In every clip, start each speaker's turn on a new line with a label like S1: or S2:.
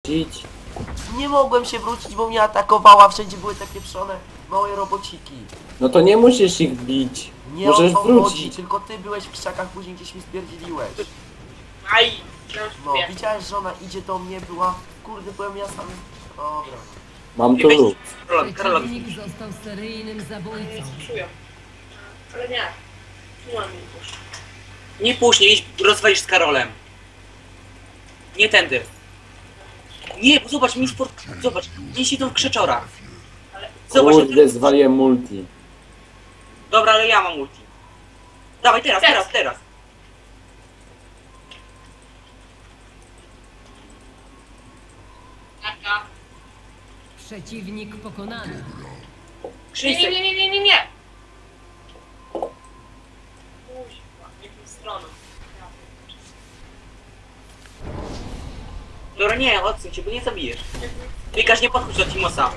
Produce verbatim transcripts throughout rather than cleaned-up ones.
S1: wrócić?
S2: Nie mogłem się wrócić, bo mnie atakowała, wszędzie były te pieprzone małe robociki.
S1: No to nie musisz ich bić.
S2: Nie
S1: Możesz
S2: o to
S1: wrócić.
S2: chodzi, tylko ty byłeś w krzakach, później gdzieś mi spierdzieliłeś.
S3: Aj!
S2: No, widziałeś, że ona idzie do mnie, była... Kurde, byłem ja sam... Dobra.
S1: Mam tu luk.
S3: Karol, Karol,
S4: Przeciwnik został seryjnym zabójcą.
S3: czuję. Ale nie. Nie mam nie puść. Nie puść, nie idź, rozwalisz z Karolem. Nie tędy. Nie, bo zobacz, mi sport... Zobacz, nie idą w krzeczora. Zobacz,
S1: Kurde, zwaliłem multi.
S3: dobra, ale ja mam ulti. Dawaj, teraz, teraz, teraz.
S4: Przeciwnik pokonany.
S3: Krzysiek.
S5: Nie, nie, nie, nie, nie, nie. Kuźwa, w jaką stronę?
S3: Dobra, nie, odsuń się, bo nie zabijesz. Pikasz, nie podchodź do Timosa.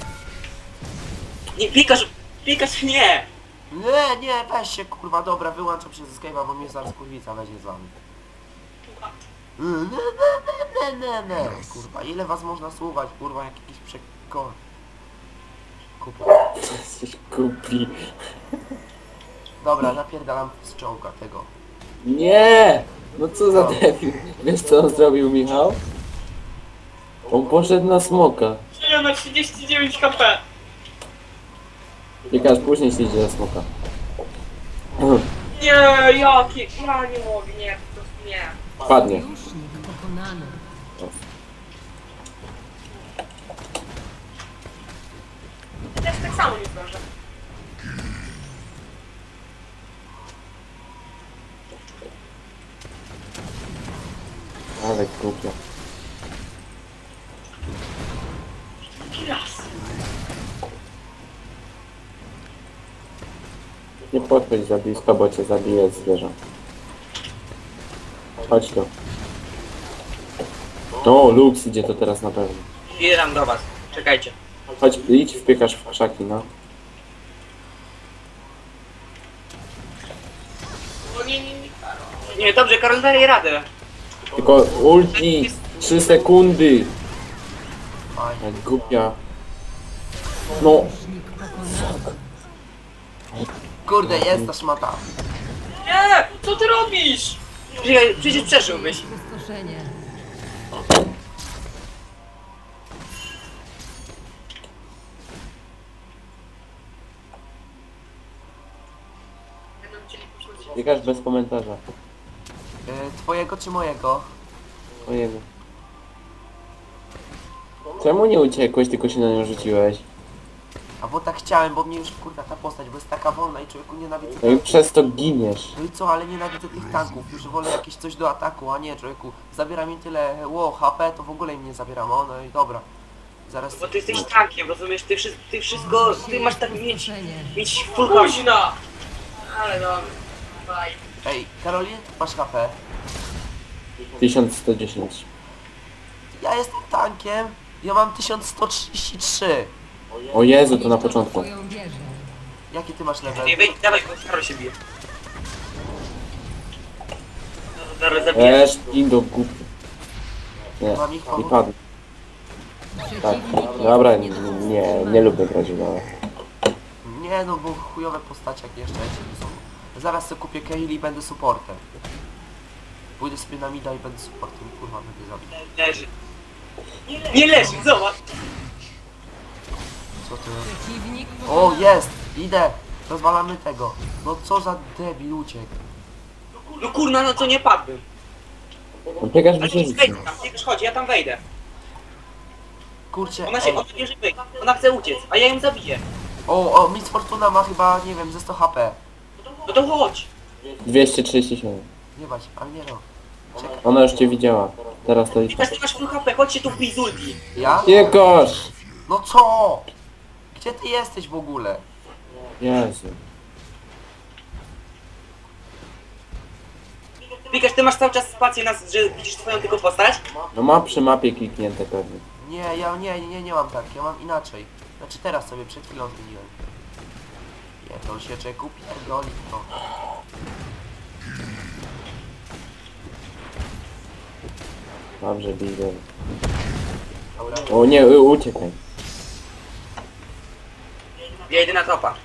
S3: Nie, Pikasz, Pikasz, nie.
S2: Nie, nie, weź się, kurwa, dobra, wyłączam się ze Skype'a, bo mnie zaraz kurwica weźmie z wami. Nie, nie, nie, nie, nie, kurwa, ile was można słuchać, kurwa, jak jakiś przekor... Kupa.
S1: Jesteś głupi.
S2: Dobra, napierdalam z czołga tego.
S1: Nie! No co za debil. Wiesz co on zrobił, Michał? On poszedł na smoka.
S5: Żyję na trzydzieści dziewięć HP.
S1: Piekarz później się idzie na smoka.
S5: Nie, jakie? Ja nie mogę, nie, po prostu nie.
S1: Padnie.
S4: Sojusznik pokonany.
S5: Też tak samo nie zdążę.
S1: Ale głupio.
S5: Raz.
S1: Nie podchodź za blisko, bo cię zabije zwierzę. Chodź tu. O, Lux idzie to teraz na pewno.
S3: Bieram do was, czekajcie.
S1: Chodź, idź, wpiekasz w krzaki, no.
S5: O nie, nie, nie, Karol.
S3: Nie, dobrze, Karol, daje radę.
S1: Tylko ulti! trzy sekundy!
S2: Fajnie.
S1: Jak głupia. No,
S4: Sojusznik pokonany.
S2: Kurde, jest ta szmata.
S5: Nie, co ty robisz?
S3: Przecież, przecież przeżyłbyś.
S4: Pustoszenie.
S5: Będą chcieli poszło się.
S1: wpiekasz bez komentarza.
S2: Yy, twojego czy mojego?
S1: Ojej. Czemu nie uciekłeś, tylko się na nią rzuciłeś?
S2: A bo tak chciałem, bo mnie już kurwa ta postać, bo jest taka wolna i człowieku nienawidzę
S1: No i
S2: tanków.
S1: przez to giniesz.
S2: No i co, ale nienawidzę tych tanków, już wolę jakieś coś do ataku, a nie człowieku. Zabiera mi tyle, ło, H P, to w ogóle im nie zabieram, o no i dobra. Zaraz...
S3: Bo ty jesteś tankiem, rozumiesz? Ty, wszy- ty wszystko, ty masz tak mieć,
S4: Pustoszenie.
S3: mieć full house.
S5: Późna! Ale dobra. Bye.
S2: Ej, Karol, ile ty masz H P?
S1: tysiąc sto dziesięć.
S2: Ja jestem tankiem, ja mam tysiąc sto trzydzieści trzy.
S1: O Jezu, to na początku.
S4: Twoją wieżę.
S2: Jaki ty masz level?
S3: Nie, wejdź, dawaj, bo Karol się bije. No, zaraz zabijesz.
S1: Esz, indo głupi. Nie,
S2: Mam ich
S1: i
S2: pomóc?
S1: padł. Tak,
S4: Przeciwnik
S1: dobra, nie,
S4: został
S1: nie, nie
S4: zatrzymany.
S1: lubię grać w LoL'a.
S2: Nie no, bo chujowe postacie jak jeszcze są. Zaraz sobie kupię Kayle i będę supportem. Pójdę sobie na mida i będę supportem, kurwa, będę zabijał.
S3: Leży. Nie leży, zobacz.
S2: Co ty?
S4: Przeciwnik
S2: O,
S4: pokonany.
S2: jest! Idę! Rozwalamy tego. No co za debil uciekł.
S3: No kurna, no co nie padłbym.
S1: No biegasz
S3: Ale
S1: by się
S3: nie wejdź tam, Pikasz, chodź, ja tam wejdę.
S2: Kurczę,
S3: Ona się,
S2: ej.
S3: ona bierze wyjść. Ona chce uciec, a ja ją zabiję.
S2: O, o, Miss Fortuna ma chyba, nie wiem, ze sto H P.
S3: No to chodź.
S1: dwieście trzydzieści siedem.
S2: Nie bać, ale nie no. Czekaj.
S1: Ona już cię widziała. Teraz to idź.
S3: Pikasz, ty masz full H P, chodź się tu wbij z ulti.
S2: Ja?
S1: Piekarz!
S2: No co? Gdzie ty jesteś w ogóle?
S1: Jezu.
S3: Pikasz, ty masz cały czas spację, na, że widzisz twoją tylko postać?
S1: No ma przy mapie kliknięte pewnie.
S2: Nie, ja nie, nie, nie mam tak, ja mam inaczej. Znaczy teraz sobie przed chwilą zmieniłem. Nie, to się czeku pierdoli to.
S1: Dobrze, widzę.
S2: Dobra.
S1: O nie, u- uciekaj.
S3: Ja idę na topa.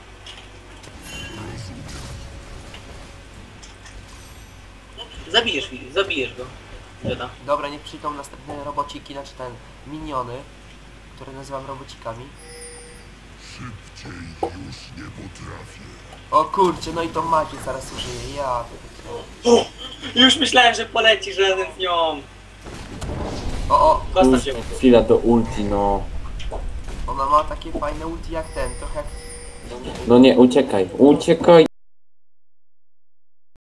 S3: Zabijesz, Filip, zabijesz go. Dziada.
S2: Dobra, niech przyjdą następne robociki, znaczy ten, miniony, które nazywam robocikami. O kurczę, no i to macie zaraz użyję, ja pierdolę.
S3: Już myślałem, że polecisz razem z nią.
S2: O, o,
S3: Kosta się.
S1: Chwila do ulti, no.
S2: ona ma takie fajne ulti jak ten, trochę jak...
S1: No nie, uciekaj, uciekaj.